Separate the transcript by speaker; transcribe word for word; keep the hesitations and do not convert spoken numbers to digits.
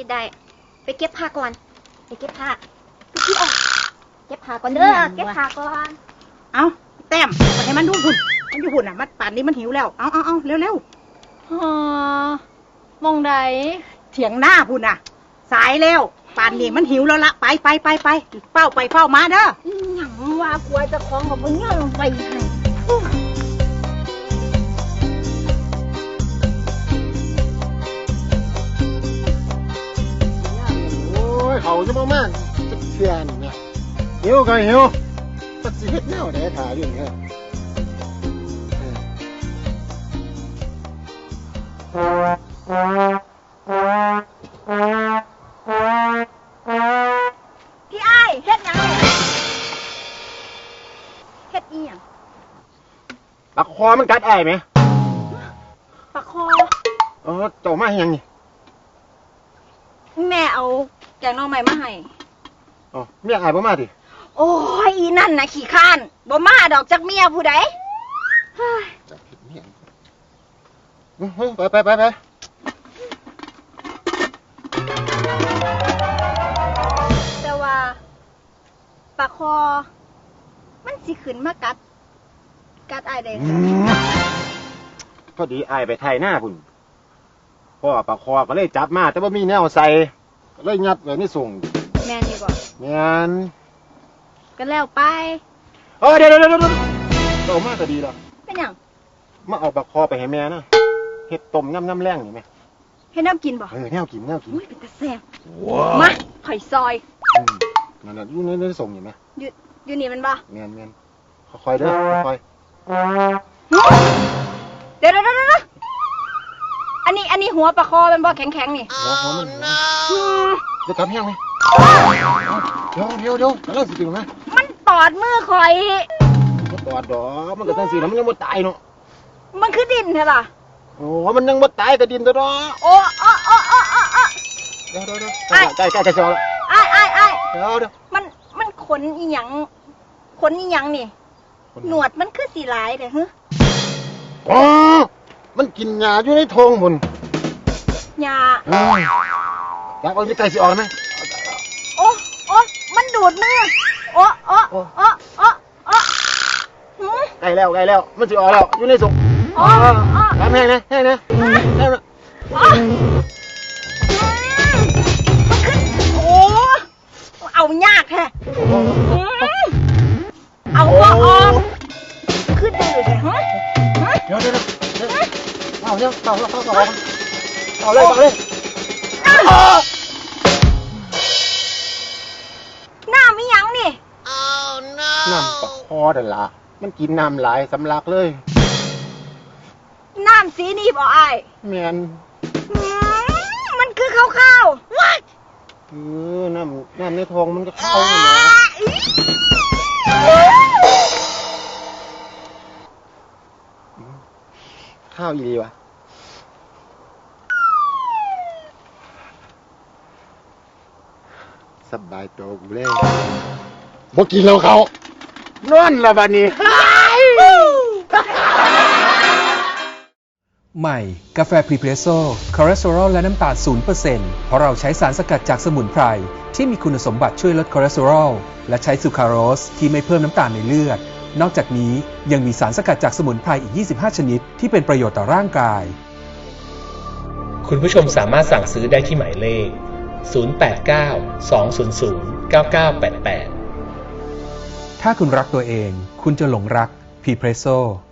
Speaker 1: ได้ไปเก็บผ้าก่อนไปเก็บผ้าพี่ออกเก็บผ้าก่อนเด้อเก็บผ้าก่อน
Speaker 2: เอาแต้มไปให้มันดูหุ่นมันอยู่หุ่นอ่ะมันป่านนี้มันหิวแล้วเอาเอาเอาเร็วเร็ว
Speaker 3: ฮะมองใด
Speaker 2: เถียงหน้าหุ่นอ่ะสายแล้วป่านนี้มันหิวแล้วละไปไปไปไปเฝ้าไปเฝ้ามาเด้อ
Speaker 1: หยังว่ากลัวจะคล้องกับมึงเนี่ยลงไปให้
Speaker 4: โอ้ยเขาจะมากๆจะเทียนเนี่ยหิวก็หิวตัดสิเฮ็ดแนวไหนถ่ายอยู่เนี่ย
Speaker 1: พี่อ้ายเฮ็ดหยังเฮ็ดอีหยัง
Speaker 4: ปากคอมันกัดอ้ายไหม
Speaker 1: ปากคอ
Speaker 4: เออเจ้ามาให้ยังนี่
Speaker 1: แม่เอาแกงหน่อไม้มาให้
Speaker 4: อ๋อเมียอ้ายบ่มาดิ
Speaker 1: โอ้ยอีนั่นน่ะขี้ข้านบ่มาดอกจักเมียผู้ใด
Speaker 4: จักเมียไปไปไปไป
Speaker 1: แต่ว่าปากคอมันสิขึ้นมากัดกัดอ้ายได้ค่ะ
Speaker 4: พอดีอ้ายไปไถหน้าพุ่นพ่อปากคอก็เลยจับมาแต่ว่ามีแนวใส่ก็เลยงัดไว้ในส่ง
Speaker 1: แม่นนี่บ่
Speaker 4: แม่น
Speaker 1: ก็แล้วไป
Speaker 4: เออเดี๋ยวเดี๋ยวเดี๋ยวเจ้ามาก็ดีแล้ว
Speaker 1: เป็นหยัง
Speaker 4: มาเอาปากคอไปให้แม่นะเฮ็ดต้มน้ำน้ำแรงนี่แม่
Speaker 1: ให้น้ำกินบ่
Speaker 4: เออแนวกินแนวกิน
Speaker 1: อุ้ยเป็นตาแซ่บมาข่อยซอย
Speaker 4: นั่นน่ะอยู่ในในส่งนี่แม่
Speaker 1: อยู่อยู่นี่มันบ่
Speaker 4: แม่นแม่นค่อยๆเด้อค่อย
Speaker 1: เดี๋ยวเดี๋ยวเดี๋ยวอันนี้อันนี้หัวปลาคอเป็นบ่แข็งๆนี่
Speaker 4: หัวหัวมันเดี๋ยวกลับแห้งไหมเดี๋ยวเดี๋ยวเดี๋ยวแล้วสิกินไหม
Speaker 1: มันตอดมือข่อย
Speaker 4: มันตอดดอกมันก็ตั้งสิแล้วมันยังบ่ตายเนาะ
Speaker 1: มันคือดินเหรอ
Speaker 4: โอ้มันยังบ่ตายก็ดินตัวเนาะ
Speaker 1: โอ้โอ้โอ้โอ้โอ้โอ้
Speaker 4: เดี๋ยวเดี๋ยวเดี๋ยวใกล้ใกล้ใกล้จะแล้ว
Speaker 1: ไอ้ไอ้ไอ้
Speaker 4: เดี๋ยวเดี๋ยว
Speaker 1: มันมันขนอีหยังขนอีหยังนี่หนวดมันคือสีลายเด้อฮะ
Speaker 4: อ๋อมันกินหญ้าอยู่ในท้องพุ่น
Speaker 1: หญ้า
Speaker 4: อยากเอาที่ไก่สิออกไหม
Speaker 1: โอ้โอ้มันดูดมือโอ้โอ้โอ้โอ้โอ้
Speaker 4: ใกล้แล้วใกล้แล้วมันสิออกแล้วอยู่ในสุก
Speaker 1: โอ้
Speaker 4: ทำแห้งนะแห้งนะแห้งนะ
Speaker 1: โอ้เอายากแท้เอาว่าออกขึ้นได้เลยฮะ
Speaker 4: เดี๋ยวเดี๋ยวเดี๋ยวเอาเดี๋ยวเอาเอาเอาเอาเอาเลยเอาเลย
Speaker 1: น้ำมีหยังนี่
Speaker 4: น้ำปะคอเด้อล่ะมันกินน้ำหลายสำลักเลย
Speaker 1: น้ำสีนี่บ่อ้าย
Speaker 4: แม่น
Speaker 1: มันคือข้าวๆวัด
Speaker 4: เออน้ำน้ำในท้องมันก็เข้าอยู่นะข้าวอีดีวะสบายตัวกูเลยบ่กินแล้วเขานอนละบัดนี้
Speaker 5: ใหม่กาแฟพรีเพรสโซ่คอเลสเตอรอลและน้ำตาล ศูนย์เปอร์เซ็นต์ เพราะเราใช้สารสกัดจากสมุนไพรที่มีคุณสมบัติช่วยลดคอเลสเตอรอลและใช้ซูคราโรสที่ไม่เพิ่มน้ำตาลในเลือดนอกจากนี้ยังมีสารสกัดจากสมุนไพรอีกยี่สิบห้าชนิดที่เป็นประโยชน์ต่อร่างกาย
Speaker 6: คุณผู้ชมสามารถสั่งซื้อได้ที่หมายเลขศูนย์ แปด เก้า สอง ศูนย์ ศูนย์ เก้า เก้า แปด แปด
Speaker 5: ถ้าคุณรักตัวเองคุณจะหลงรักพรีเพรสโซ่